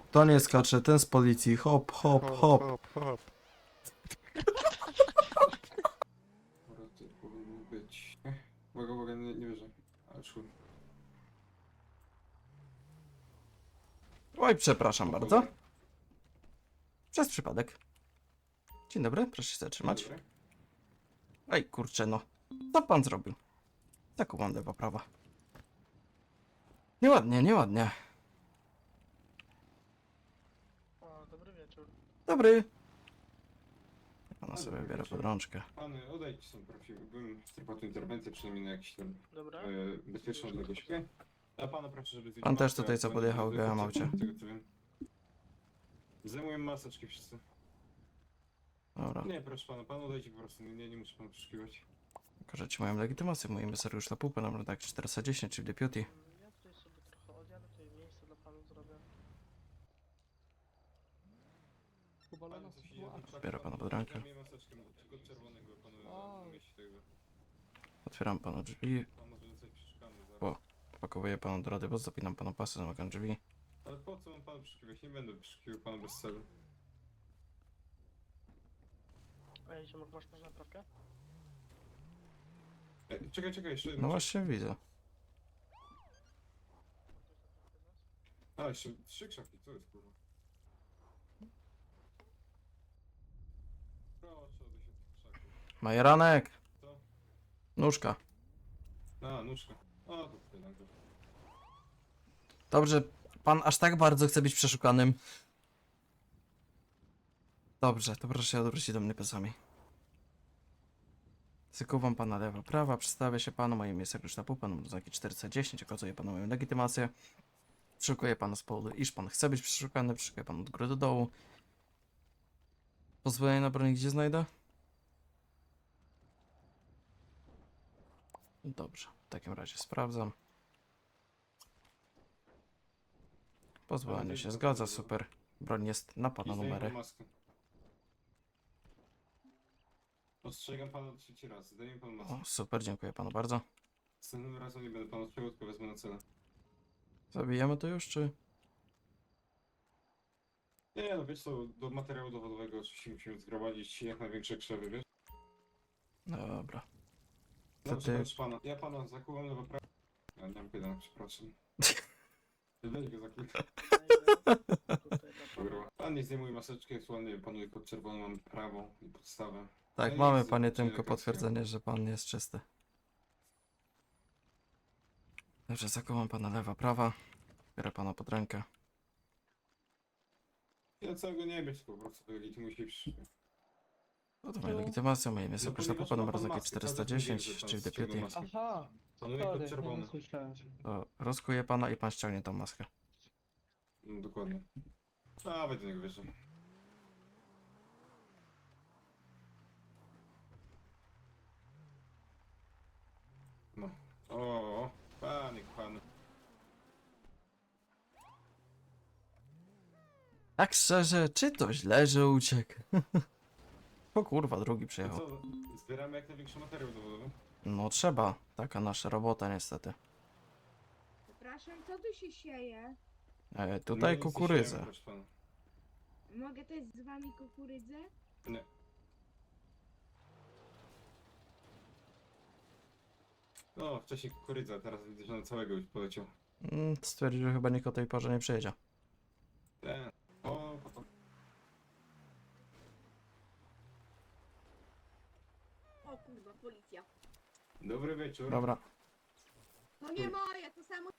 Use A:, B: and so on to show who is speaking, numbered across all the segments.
A: To nie skacze, ten z policji. Hop, hop, hop.
B: hop.
C: Dobra, to powinno być. Uwaga, uwaga, nie wierzę. Ale szły.
A: Oj, przepraszam bardzo. Przez przypadek. Dzień dobry, proszę się zatrzymać.
C: Dobra.
A: Ej, kurczę, no. Co pan zrobił? Zakuwam lewa prawa. Nieładnie, nieładnie.
B: O, dobry wieczór.
A: Dobry. Pana sobie biorę pod rączkę.
C: Pany, odejdź są bym chciał tu interwencję, przynajmniej na jakiś tam
B: Dobra.
C: bezpieczną odległość. A pana proszę, żeby
A: Pan też tutaj co podjechał w białym aucie.
C: Tego co wiem. Zajmuję maseczki wszyscy.
A: Dobra.
C: Nie, proszę pana, pan odejdzie po prostu, nie muszę pana przeszukiwać.
A: Pokażę ci moją legitymację, moje Seriusz na pupę, numer tak 410, czyli deputy.
B: Ja tutaj sobie trochę odjadę, tutaj miejsce dla panów zrobię.
D: Powalona sytuacja.
A: Biorę pana pod rękę.
C: Zajmuję maseczkę, tylko czerwonego panu
D: O.
C: mieści tego.
A: Otwieram panu drzwi,
C: Pan może zostać przeszukany zaraz.
A: O. pakowuję panu do rady, zapinam panu pasy, zamykam drzwi.
C: Ale po co mam pana przeszukiwać? Nie będę przeszukiwał pana bez celu.
B: Ej, ziomek, masz może naprawkę?
C: Czekaj, jeszcze.
A: No właśnie widzę.
C: A, jeszcze 3 krzaki, co jest kurwa? Proszę, odejść od tych krzaków.
A: Majeranek!
C: Co?
A: Nóżka.
C: A, nóżka. O, to tutaj nagle.
A: Dobrze, pan aż tak bardzo chce być przeszukanym. Dobrze, to proszę się odwrócić do mnie plecami. Zakuwam pana lewa, prawa, przedstawię się panu, moje imię jest Seriusz na pupę, numer znaki 410, okazuję panu moją legitymację. Przeszukuję pana z powodu, iż pan chce być przeszukany, przeszukuję panu od góry do dołu. Pozwolenie na broń gdzie znajdę? Dobrze, w takim razie sprawdzam. Pozwolenie się zgadza, super. Broń jest na pana
C: I zdejmę
A: numery.
C: maskę. Ostrzegam pana 3 raz, zdejmę pan maskę.
A: O, super, dziękuję panu bardzo.
C: Następnym razem nie będę pana ostrzegał, tylko wezmę na cenę.
A: Zabijemy to już, czy?
C: Nie, no wiesz co, do materiału dowodowego oczywiście musimy zgromadzić jak największe krzewy, wiesz?
A: Dobra.
C: Dobrze,
A: ty-
C: proszę pana, ja pana zakuwam lewo prawo. Ja nie mam pytań, przepraszam. Weź go zakuj.
B: Tutaj dla pana.
C: Kurwa. Pan nie zdejmuje maseczki, aktualnie panuje kod czerwony, mamy prawo i podstawę.
A: Tak,
C: No
A: mamy
C: jest,
A: panie
C: czyli
A: Tymko
C: jakaś
A: potwierdzenie, że pan jest czysty. Dobrze, zakuwam pana lewa, prawa. Biorę pana pod rękę.
C: Ja całego nie wiem, tylko po prostu legitymuję się przy...
A: No to moja legitymacja, moje imię jest Seriusz na
C: ponieważ
A: pupę,
C: ma
A: numer
C: pan
A: znaki
C: maskę, cały czas
A: 410,
C: mówię, że pan
A: czyli
C: ściągnął
A: deputy.
C: maskę.
D: Aha,
C: Panuje
D: sorry,
C: kod
D: nie
C: czerwony.
D: słyszałem.
A: To rozkuję pana i pan ściągnie tą maskę.
C: No, dokładnie. A, będę niego wierzę. No. O, panie, pan.
A: Tak szczerze, czy to źle, że uciekł? O kurwa, drugi
C: To
A: przyjechał.
C: co, zbieramy jak największy materiał dowodowy?
A: No trzeba, taka nasza robota niestety.
E: Przepraszam, co tu się sieje?
A: Tutaj
C: Nie, nic nie
A: kukurydzę.
C: siejemy, proszę pana.
E: Mogę też z wami kukurydzę?
C: Nie. No, wcześniej kukurydza, teraz widzę, że na całego już poleciał.
A: Stwierdził, że chyba nikt o tej porze nie przyjedzie.
C: Ten. O, potem.
E: O kurwa, policja.
C: Dobry wieczór.
A: Dobra,
E: To nie moje, to samo...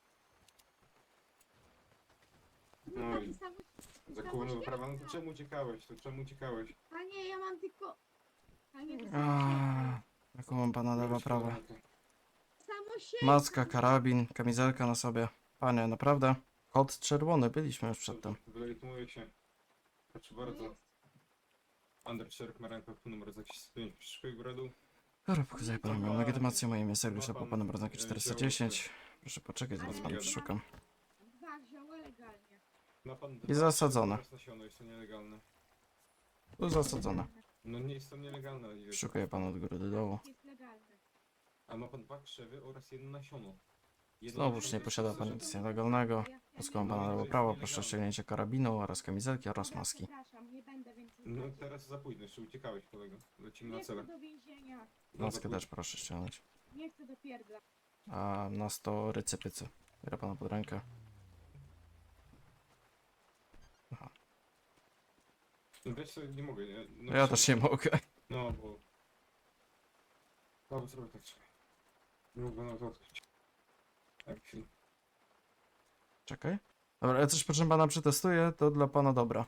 C: No
E: No
C: i
E: to samo...
C: zakuwano prawa. No to czemu uciekałeś? To czemu uciekałeś?
E: Panie, ja mam tylko... Panie, to samo
A: Aaaa, jaką mam pana lewa,
C: Weź
A: prawa.
C: koleżankę.
E: Samo się...
A: Maska, karabin, kamizelka na sobie. Panie, naprawdę? Kod czerwony, byliśmy już przedtem.
C: Wylegitymuję się. Proszę bardzo. Undershirt ma rękę numer z jakiś 5 przyszykuj graду.
A: Dobra, pokazuję panu moją legitymację, moje imię Seriusz na pupę, numer znaki 410. Proszę poczekać, zaraz panu przeszukam.
E: Dwa wziąłem legalnie.
C: Ma pan
A: I zasadzone.
C: Nasiono, jest to nielegalne.
A: Tu zasadzone.
C: No nie jest to nielegalne. ale jest.
A: Szukuję pana od góry do dołu.
E: Jest legalne.
C: A ma pan 2 krzewy oraz 1 nasiono.
A: Znowuż nie posiada pan nic nielegalnego. Posłucham pana lewo prawo, proszę o ściągnięcie karabinu oraz kamizelki oraz maski.
E: Przepraszam, nie będę więcej
C: No
E: płacić.
C: teraz za późno, jeszcze uciekałeś kolego. Lecimy
E: Nie
C: na
E: chcę
C: cele.
E: do więzienia.
C: No, za
A: Maskę
C: późno.
A: też proszę ściągnąć.
E: Nie chcę do pierdla.
A: A nas to rycypycy. Biorę pana pod rękę.
C: No wiesz co, nie mogę, nie? No,
A: Ja też nie mogę.
C: No bo... Dobra, zrobię tak trzeba. Nie mogę na to odkryć. Tak, chwilę.
A: Czekaj. Dobra, ja coś proszę pana przetestuję, to dla pana dobra.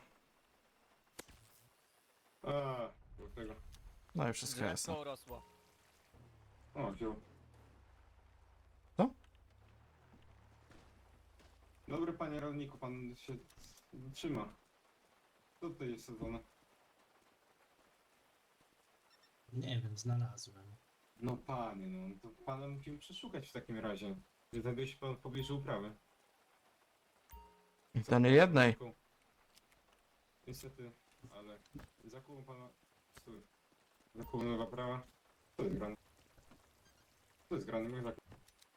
C: A, do tego.
A: No i wszystko jasne.
F: Drzewko urosło.
C: O, wziął.
A: Co?
C: Dobry panie rolniku, pan się trzyma. Co tutaj jest sadzone?
G: Nie wiem, znalazłem.
C: No panie, no to pana musimy przeszukać w takim razie. Nie znajduje się pan w pobliżu uprawy.
A: I to nie jednej.
C: Niestety, ale zakułem pana... Stój. Zakułem lewa prawa. To jest grane. To jest grane, jak zakup.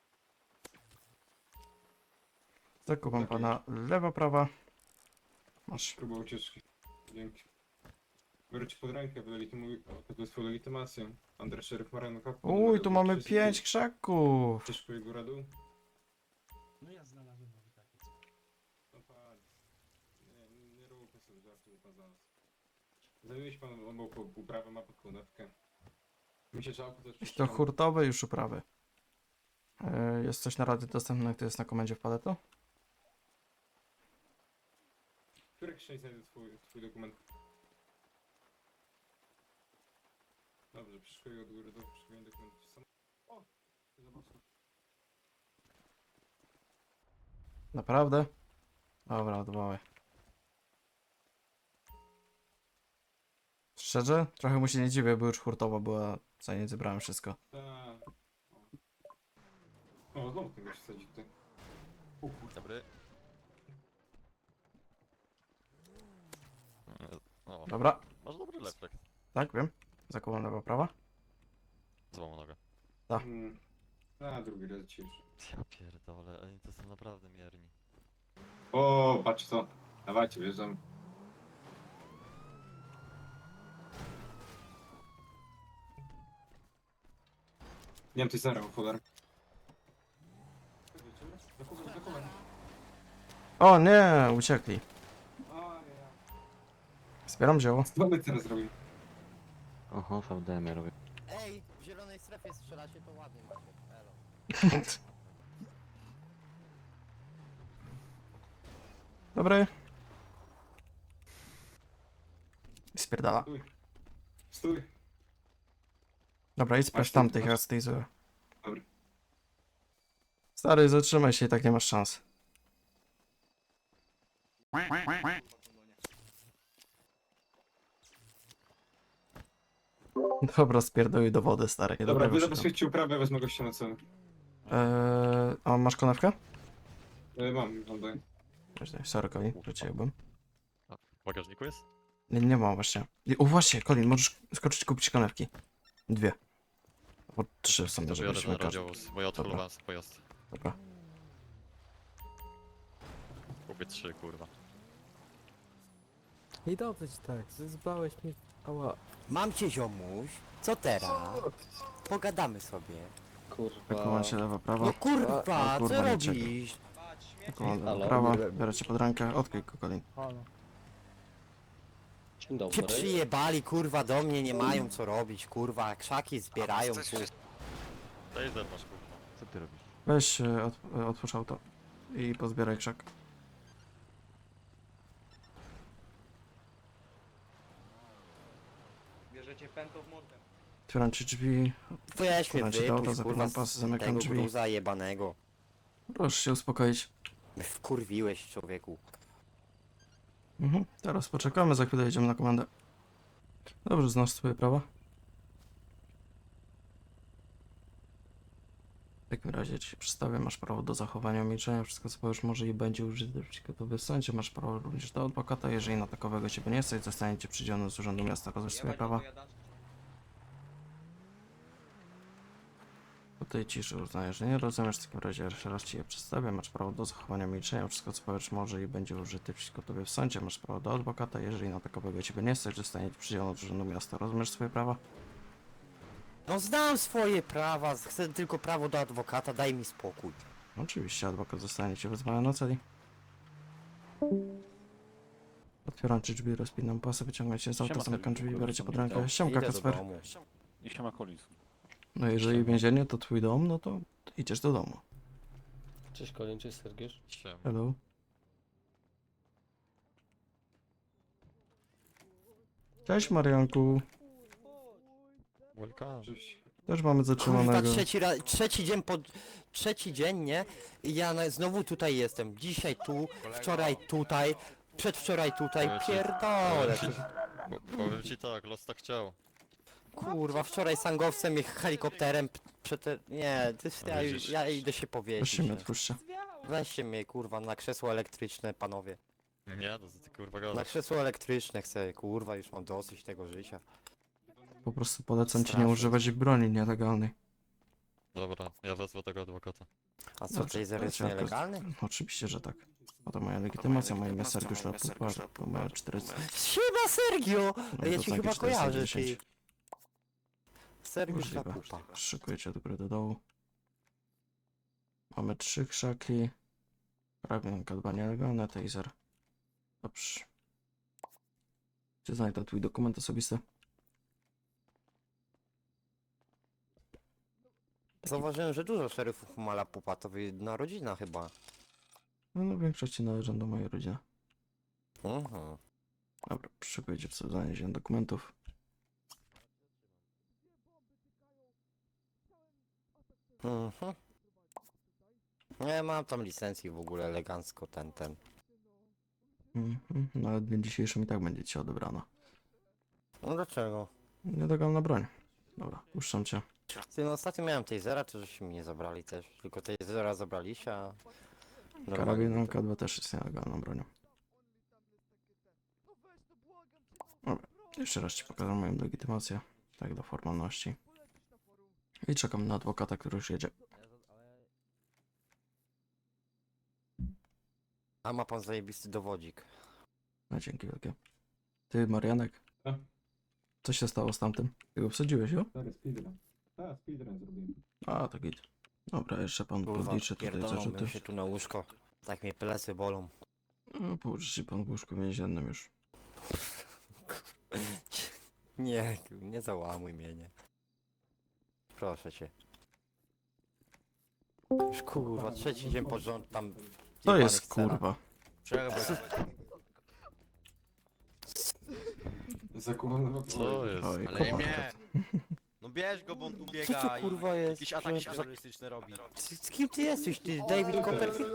A: Zakupam pana lewa, prawa. Masz.
C: Próba ucieczki. Dzięki. Biorę cię pod rękę, wylegitymuję swoją legitymację. Andrzej Szeryf Marenko.
A: Uj, tu mamy 5 krzaków.
C: Ciężko góra dół.
G: No ja znalazłem nawet takie coś.
C: No panie. Nie róbmy sobie żartu, pan za nas. Zajmuje się pan obok uprawę, ma pan konewkę. Myślę, że auto też
A: I to
C: przeczytamy.
A: hurtowe już uprawy. Jest coś na radiu dostępne, kto jest na komendzie w paleto?
C: W której kieszeni znajdę twój dokument? Dobrze, przeszukuję od góry do przeszukuję dokumentów. O! Zobaczmy.
A: Naprawdę? Dobra, odwołaj. Szczerze? Trochę mu się nie dziwię, bo już hurtowa była, zanim zebrałem wszystko.
C: Tak. O, znowu tego się sadzi tutaj. O kurde.
F: Dobry. O,
A: Dobra,
F: masz dobry refleks.
A: tak, wiem. Zakupam lewa, prawa.
F: Złamał nogę.
C: A, drugi raz ci już.
F: Ja pierdolę, oni to są naprawdę mierni.
C: O, patrz co. Dawajcie, wjeżdżam. Nie wiem, coś zaraz, cholera. Zakuwam.
A: O nie, uciekli. Zbieram dzieło.
C: Co my teraz robimy?
H: Oho, VDM robię.
I: Ej, w zielonej strefie strzelacie, to ładnie macie. Elo.
A: Dobry. Spierdala.
C: Stój. Stój.
A: Dobra, idź sprawdź
C: Masz tu,
A: tamtych,
C: masz.
A: ja z tej zły.
C: Dobra.
A: Stary, zatrzymaj się, i tak nie masz szans. Dobra, spierdolij do wody, stary, nie
C: Dobra,
A: dobrego
C: wy
A: się tam.
C: zabezpieczcie uprawę, wezmę gościa na cenę.
A: A masz konewkę?
C: Mam daj.
A: Sorry, Colin, wróciłbym.
F: A w bagażniku jest?
A: Nie mam właśnie. O właśnie, Colin, możesz skoczyć kupić konewki. 2. Bo 3 są,
F: To biorę
A: żebyśmy
F: ten
A: każdy.
F: radiowóz, bo ja odholowałem sobie pojazd.
A: Dobra.
F: Kupię 3, kurwa.
H: I dobrze ci tak, zbałeś mnie. Ała.
I: Mam cię, ziomuś. Co teraz? Pogadamy sobie.
A: Zakłam się lewa, prawa.
I: No kurwa,
A: O, kurwa,
I: co
A: nie czekaj.
I: robisz?
A: Zakłam lewa,
H: Halo?
A: prawa. Biorę cię pod rękę. Odkryj go, Colin.
D: Halo.
H: Dzień
I: Cię
H: dobry.
I: przyjebali, kurwa, do mnie nie mają co robić, kurwa. Krzaki zbierają, kurwa.
F: Taser masz, kurwa.
H: Co ty robisz?
A: Weź, otwórz auto. I pozbieraj krzak.
B: Bierzecie pęto w mordę.
A: Otwieram ci drzwi.
I: Weź mnie
A: Wkładam cię do auta,
I: wypuść, kurwa,
A: zapinam pas,
I: z
A: zamykam
I: tego
A: drzwi.
I: gruza jebanego.
A: Proszę się uspokoić.
I: Mnie wkurwiłeś, człowieku.
A: Teraz poczekamy, za chwilę jedziemy na komendę. Dobrze, znasz swoje prawa? W takim razie ci przedstawię, masz prawo do zachowania milczenia, wszystko co powiesz może i będzie użyte przeciwko tobie w sądzie, masz prawo również do adwokata, jeżeli na takowego ciebie nie stać, zostanie ci przydzielony z urzędu miasta, rozumiesz swoje prawa? Po tej ciszy uznajesz, że nie rozumiesz, w takim razie jeszcze raz ci je przedstawię. Masz prawo do zachowania milczenia, wszystko co powiesz może i będzie użyte przeciwko tobie w sądzie. Masz prawo do adwokata, jeżeli na takowego ciebie nie stać, zostanie ci przydzielony od urzędu miasta. Rozumiesz swoje prawa?
I: No znam swoje prawa, chcę tylko prawo do adwokata, daj mi spokój.
A: Oczywiście adwokat zostanie ci wezwany na celi. Otwieram ci drzwi, rozpinam pasy, wyciągam cię z auta,
J: Siema,
A: zamykam drzwi,
J: Kamil,
A: biorę cię pod rękę.
I: Idę
A: Siemka,
I: do
A: Kacper.
I: domu.
J: I siema Collins.
A: No jeżeli więzienie to twój dom, no to idziesz do domu.
H: Cześć Colin, cześć Sergiusz.
F: Siema.
A: Hello. Cześć Marianku.
F: Welcome.
C: Cześć.
A: Też mamy
I: Kurwa,
A: zatrzymanego.
I: trzeci dzień, nie? I ja znowu tutaj jestem. Dzisiaj tu, wczoraj tutaj, przedwczoraj tutaj,
F: Powiem ci-
I: pierdolę.
F: Powiem ci tak, los tak chciał.
I: Kurwa, wczoraj sangowcem i helikopterem Nie,
F: Widzisz?
I: ja idę się powiedzieć.
A: Prosimy, otwórzcie.
I: Weźcie mnie kurwa na krzesło elektryczne, panowie.
F: Nie, no ty kurwa
I: Na
F: gadasz.
I: krzesło elektryczne chcę, kurwa, już mam dosyć tego życia.
A: Po prostu polecam ci nie
I: Strasznie.
A: używać broni nielegalnej.
F: Dobra, ja wezwę tego adwokata.
I: A co,
A: Dobrze,
I: taser jest
A: to jest
I: nielegalny?
A: Oczywiście, że tak. Oto moja legitymacja, moje imię Sergiusz Lapupa, to moja 400.
I: Siema Sergio!
A: No,
I: Ja
A: to
I: cię
A: znaki
I: chyba kojarzę,
A: 410.
I: ty. Sergiusz
A: Możliwe.
I: Lapupa.
A: Szykuję cię od góry do dołu. Mamy 3 krzaki. Prawienka 2 nielegalne, taser. Dobrze. Gdzie znajdę twój dokument osobisty?
I: Zauważyłem, że dużo szeryfów ma Lapupa, to jedna rodzina chyba.
A: No, w większości należą do mojej rodziny.
I: Mhm.
A: Dobra, szykuję cię w celu znalezienia dokumentów.
I: Mhm. Nie mam tam licencji w ogóle elegancko ten.
A: No, ale w dniu dzisiejszym i tak będzie ci odebrana.
I: No dlaczego?
A: Nielegalna broń. Dobra, puszczam cię.
I: Ty, no ostatnio miałem tasera, czy żeście mi nie zabrali też? Tylko tasera zabraliście, a...
A: Karabin MK2 też jest nielegalną bronią. Dobra, jeszcze raz ci pokażę moją legitymację. Tak, do formalności. I czekam na adwokata, który już jedzie.
I: A ma pan zajebisty dowodzik.
A: No, dzięki wielkie. Ty, Marianek.
C: Co?
A: Co się stało z tamtym? Ty go wsadziłeś, jo?
C: Stary speedrun. Tak, speedrun zrobiłem.
A: A, to git. Dobra, jeszcze pan
I: Kurwa,
A: podliczy tutaj
I: pierdolą
A: zarzuty.
I: się tu na łóżko. Tak mnie plecy bolą.
A: No, położy się pan w łóżku więziennym już.
I: Nie załamuj mnie, nie. Proszę cię. Już kurwa, trzeci dzień pod rząd tam...
A: To jest
I: jebanych celach.
A: kurwa.
C: Zakuwano
F: Co jest?
A: Oj,
K: Ale
A: kopa.
K: nie! No bierz go, bo on tu
I: Co
K: biega
I: to kurwa jest?
K: jakieś ataki terrorystyczne robi.
I: Z kim ty jesteś, ty? David Copperfield?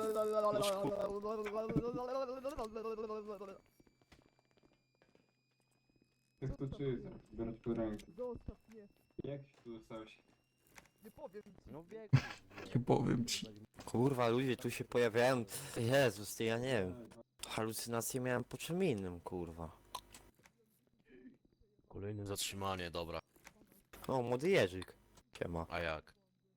C: Jak to czy biorę cię pod rękę. Jak się tu dostałeś?
K: No bieg.
A: Nie powiem ci.
I: Kurwa, ludzie tu się pojawiają. Jezus, ty, ja nie wiem. Halucynacje miałem po czym innym, kurwa.
K: Kolejne zatrzymanie, dobra.
I: O, młody Jerzyk. Siema.
K: A jak?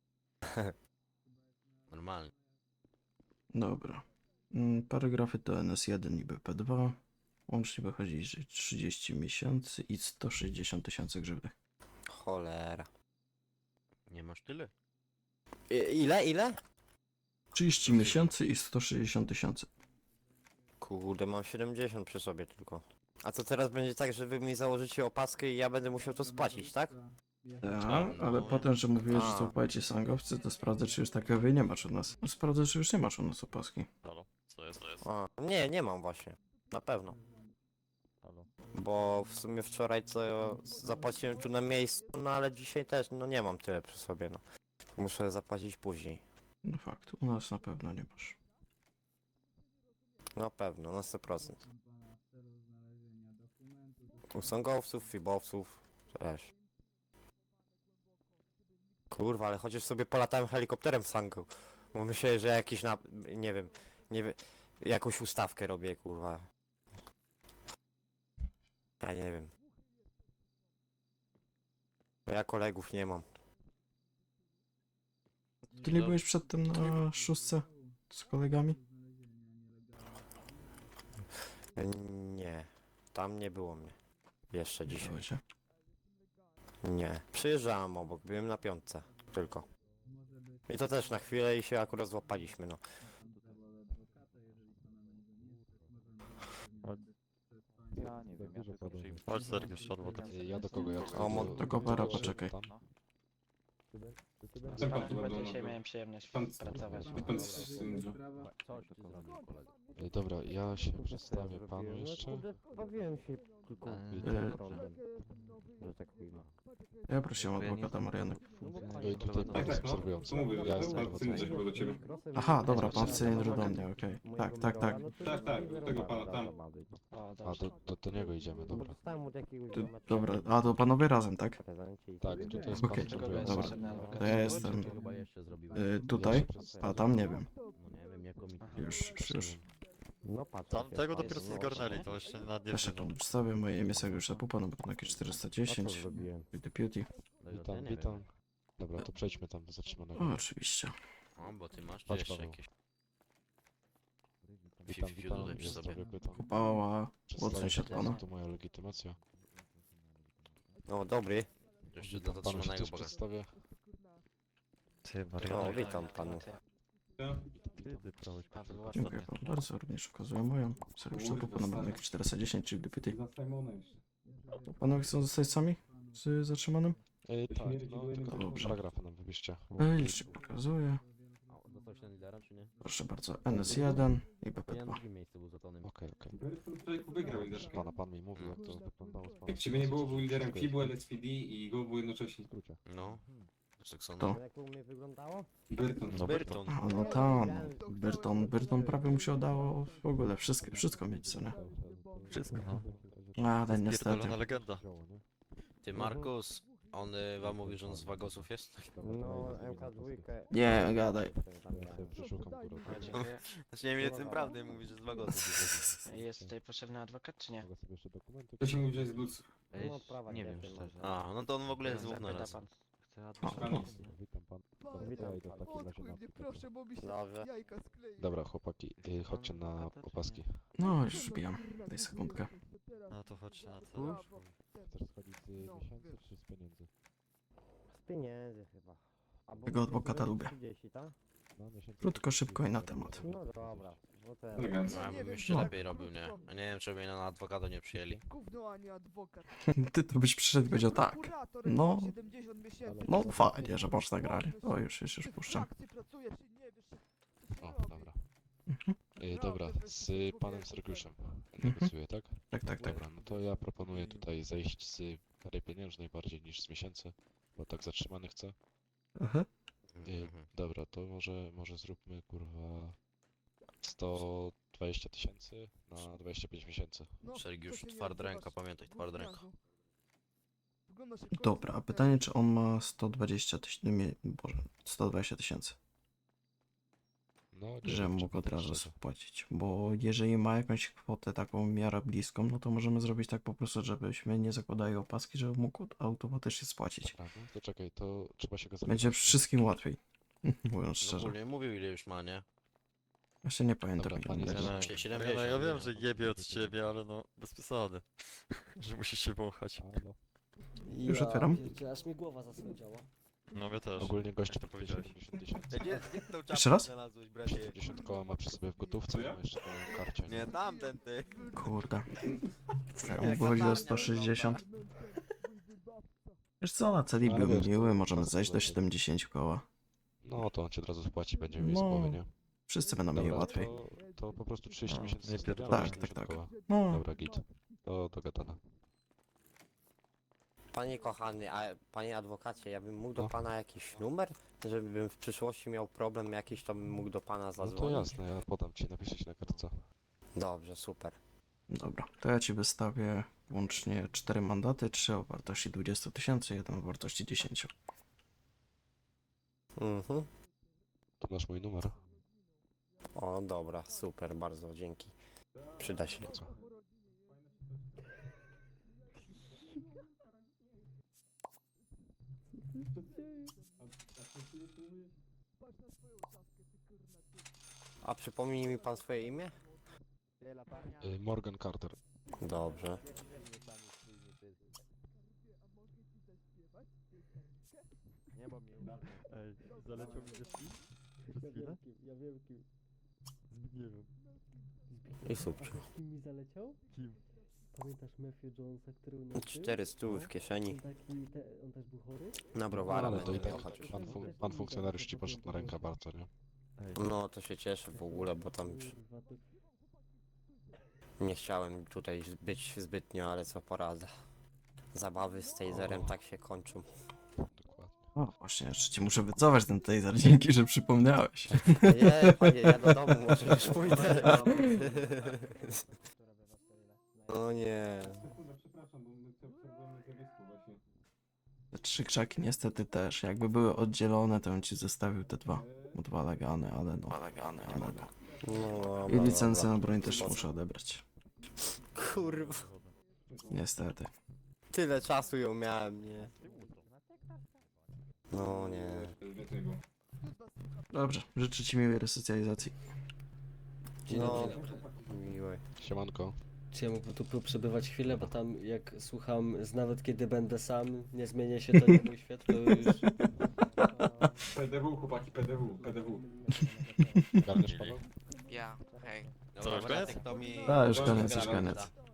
K: Normalnie.
A: Dobra. Paragrafy to NS1 i BP2. Łącznie wychodzi, że 30 miesięcy i 160 tysięcy grzywny.
I: Cholera.
K: Nie masz tyle?
I: Ile?
A: 30 miesięcy i 160 tysięcy.
I: Kurde, mam 70 przy sobie tylko. A to teraz będzie tak, że wy mi założycie opaskę i ja będę musiał to spłacić, tak?
A: Tak, ale potem, że mówiłeś, że
I: A.
A: są płaci sangowcy, to sprawdzę, czy już takowej nie masz u nas. Sprawdzę, czy już nie masz u nas opaski.
F: Halo? Co jest? Co jest?
I: A, nie mam właśnie. Na pewno.
F: Halo?
I: Bo w sumie wczoraj to zapłaciłem tu na miejscu, no ale dzisiaj też, no nie mam tyle przy sobie, no. Muszę zapłacić później.
A: No fakt, u nas na pewno nie masz.
I: Na pewno, na 100%. U sągowców, fibowców, też. Kurwa, ale chociaż sobie polatałem helikopterem w Sangu. Bo myślę, że jakiś nie wiem, jakąś ustawkę robię, kurwa. Ja nie wiem. Bo ja kolegów nie mam.
A: Ty nie byłeś przedtem na szóstce z kolegami?
I: Nie, tam nie było mnie. Jeszcze dzisiaj.
A: Byłeś, nie?
I: Nie, przyjeżdżałem obok, byłem na piątce. Tylko. I to też na chwilę i się akurat złapaliśmy, no.
K: Ja nie wiem, ja tylko przyjmę.
F: Chodź Sergiusz, adwokat.
H: Ja do kogo? Ja
I: O, mo-
A: do Kopera, poczekaj.
C: Co pan tu
K: Chyba
C: robił?
K: dzisiaj miałem przyjemność
C: Pan-
K: pracować.
C: Pan z
K: Coś ty zrobił, kolega.
H: Dobra, ja się przedstawię panu jeszcze.
I: Bawiłem się tylko
A: E,
I: prądem, że tak powiem.
A: Ja prosiłem adwokata Mariany.
H: Tutaj
C: Tak,
H: pan
C: tak, no.
H: obserwujący.
C: Co mówię,
H: Ja
C: pan
H: jestem
C: w cylindrze chyba do ciebie.
A: Aha, dobra, pan w cylindru do mnie, okej. Tak, tak, tak.
C: Tak, tak, do tego pana tam.
K: O,
H: A
K: dobrze.
H: do niego idziemy, dobra.
A: Dobra, a to panowie razem, tak?
H: Tak, tutaj jest
A: Okej,
H: pan
K: Czego jest
A: dobra.
K: potrzebny adwokat?
A: To ja jestem
K: Chyba jeszcze zrobiłem.
A: tutaj, a tam nie wiem.
K: No nie wiem, jako mi...
A: Już.
I: No patrz.
F: Tam tego dopiero co zgarnęli, to jeszcze nad nie
A: Jeszcze panu przedstawię moje imię Sergiusza Pupa, numer takie 410, Deputy.
H: Witam. Dobra, to przejdźmy tam do zatrzymanego.
A: O, oczywiście.
K: O, bo ty masz tu
H: Chodź,
K: jeszcze
H: Paweł.
K: jakieś...
H: Witam,
K: Fiu,
H: witam.
K: tutaj przy
H: Ja
K: sobie.
H: sobie pytam.
A: Kupała, odsuń się od pana.
H: To moja legitymacja.
I: No dobry.
K: Jeszcze do
H: Panu się
K: zatrzymanego
H: też
K: boga.
H: przedstawię.
F: Ty,
I: No witam panu.
A: Dziękuję panu bardzo, również ukazuję moją. Sergiusza Pupa, numer takie 410, czyli Deputy.
C: Za Simona jeszcze.
A: Panowie chcą zostać sami z zatrzymanym?
H: Tak, no tylko
A: Dobrze.
H: paragrafy nam wybierzcie.
A: Już ci pokazuję.
K: Dostałeś ten lidera, czy nie?
A: Proszę bardzo, NS1 i BP2.
K: drugim miejscu był za Tonym.
H: Okej.
C: Berton człowieku wygrał
H: Proszę
C: liderkę.
H: pana, pan mi mówił, jak to wyglądało z panem.
C: Jak ciebie nie było, był liderem FIBU, LSPD i go był jednocześnie.
K: No. Saksona.
A: To.
I: Jak u mnie wyglądało?
C: Berton.
F: No
K: Burton.
A: A no tam, Burton prawie mu się udało w ogóle wszystko mieć, co nie?
F: Wszystko, no.
A: Ale niestety.
F: Pierdolona legenda.
K: Ty, Markus, on wam mówi, że on z Wagosów jest?
I: No, MK2.
A: Nie, gadaj.
H: Ja przeszukam kurwa.
K: Dziękuję.
F: Znaczy nie wiem ile tym prawdy, mówi, że z Wagosów jest.
K: Jest tutaj potrzebny adwokat, czy nie?
H: Mogę sobie jeszcze dokumenty.
C: To się mówi, że jest Lutz.
I: No, prawa
F: Nie wiem
I: też
F: szczerze.
K: A,
F: no to on w ogóle jest dwóch
K: Zapyta
F: na raz.
K: pan.
H: Witam pan. Ja idę w takim razie na aplikację.
I: Dobrze.
H: Dobra, chłopaki, chodźcie na opaski.
A: No, już wbijam. Daj sekundkę.
F: No to chodźcie na to.
H: Chcesz schodzić z miesięcy czy z pieniędzy?
I: Z pieniędzy chyba. Albo
A: Tego adwokata lubię.
I: 30, tak?
H: No, miesięcy.
A: Krótko, szybko i na temat.
I: No dobra. Bo to
C: Elegancko.
K: Ja bym jeszcze
A: No.
K: lepiej robił, nie? A nie wiem, czy mnie na adwokata nie przyjęli.
J: Gówno, a nie adwokat.
A: Ty to byś przyszedł i powiedział tak.
J: Prokurator
A: No.
J: 70 miesięcy.
A: No fajnie, że można grali. O, już
J: Czy w
A: puszczam.
J: frakcji pracuje, czy nie, wiesz, co
H: O,
J: robi.
H: dobra.
A: Mhm.
H: Dobra, z panem Sergiuszem negocjuję, tak?
A: Tak, tak, tak.
H: Dobra, no to ja proponuję tutaj zejść z kary pieniężnej bardziej niż z miesięcy, bo tak zatrzymany chcę.
A: Aha.
H: Dobra, to może zróbmy kurwa 120 000 na 25 miesięcy.
J: No,
K: Sergiusz,
J: to się nie
K: twarda ręka,
J: odzywasz.
K: pamiętaj, twarda ręka.
J: Gówniarzu. Wyglądasz jak
A: Dobra, a
J: koleś z
A: pytanie, czy on ma 120 tysięcy, Boże, 120 000,
H: No, nie
A: że
H: wiem, czy
A: mógł od
H: potem
A: razu
H: szczerze.
A: spłacić. Bo jeżeli ma jakąś kwotę taką w miarę bliską, no to możemy zrobić tak po prostu, żebyśmy nie zakładali opaski, żeby mógł automatycznie spłacić.
H: Dobra, no to czekaj, to trzeba się go
A: Będzie
H: zapytać.
A: wszystkim łatwiej. Mówiąc
K: No
A: szczerze.
K: ogólnie mówił, ile już ma, nie?
A: Jeszcze nie pamiętam,
H: Dobra,
A: ile
H: panie
A: będzie.
H: Zena-
K: 70.
F: No ja wiem, że jebie od ciebie, ale no bez przesady. Że musisz się wąchać.
H: Halo.
A: Już otwieram.
H: Aż mi głowa zasłędziała.
F: No ja też.
H: Ogólnie gość
F: Jak to powiedziałeś.
H: 70 000.
A: Jeszcze raz?
H: 70 koła ma przy sobie w gotówce,
C: Co ja?
H: ma jeszcze na karcie.
F: Nie, tamten ty.
A: Kurde. Czemu chodzi o 160? Wiesz co, na celi
H: Ale
A: byłem
H: wiesz,
A: miły,
H: to
A: możemy
H: bardzo
A: zejść do
H: dobrze.
A: 70 koła.
H: No to on cię od razu spłaci, będziemy mieli z
A: No,
H: głowy, nie?
A: Wszyscy będą mieli
H: Dobra,
A: łatwiej.
H: to po prostu 30
F: No,
H: miesięcy
F: nie
H: zostawiamy,
F: pierdolę.
A: Tak,
H: 70
A: tak, tak.
H: koła.
A: No,
H: Dobra, git. To dogadane.
I: Panie kochany, a panie adwokacie, ja bym mógł do
H: No.
I: pana jakiś numer? Żebym w przyszłości miał problem jakiś, to bym mógł do pana
H: No
I: zadzwonić.
H: to jasne, ja podam ci, napiszę ci na kartce.
I: Dobrze, super.
A: dobra. To ja ci wystawię łącznie 4 mandaty, 3 o wartości 20 000, 1 o wartości 10.
I: Mhm.
H: Tu masz mój numer.
I: O, dobra, super, bardzo dzięki. Przyda się.
H: Po co?
I: A przypomnij mi pan swoje imię?
H: Morgan Carter.
I: Dobrze.
H: Ej, zaleciał mi deski? Ja wiem kim. Zbigniewem.
I: I super.
D: Kim mi zaleciał?
H: Kim?
D: Pamiętasz Matthew Jonesa, który u nas był?
I: 400 w kieszeni.
D: On też był chory?
I: Na browara
H: Ale to
I: będzie
H: i tak
I: jechać.
H: pan funkcjonariusz ci poszedł na rękę bardzo, nie?
I: No to się cieszę w ogóle, bo tam
D: Kurwa, to
I: nie chciałem tutaj być zbytnio, ale co poradzę. Zabawy z taserem tak się kończą.
H: Dokładnie.
A: O, właśnie, jeszcze ci muszę wycofać ten taser, dzięki, że przypomniałeś.
I: Nie, panie, ja do domu może już pójdę. No nie.
C: Kurwa, przepraszam, bo my obserwujemy zjawisko właśnie.
A: Te 3 krzaki niestety też. Jakby były oddzielone, to bym ci zostawił te dwa legany, ale no.
I: No,
A: I licencję na broń też muszę odebrać.
I: Kurwa,
A: Niestety.
I: tyle czasu ją miałem, nie. No nie.
C: Więcej było.
A: Dobrze, życzę ci miłej resocjalizacji.
I: No, miłe.
H: Siemanko.
D: Czy ja mógłbym tu przebywać chwilę, bo tam jak słucham, nawet kiedy będę sam, nie zmienię się, to nie mój świat, to już...
C: PDW, chłopaki, PDW.
H: Garniesz Paweł?
K: Ja, hej.
F: Co, już koniec?
K: To mi...
A: A, już
C: Dobra,
A: koniec, już
K: gramy,
A: koniec.
K: da.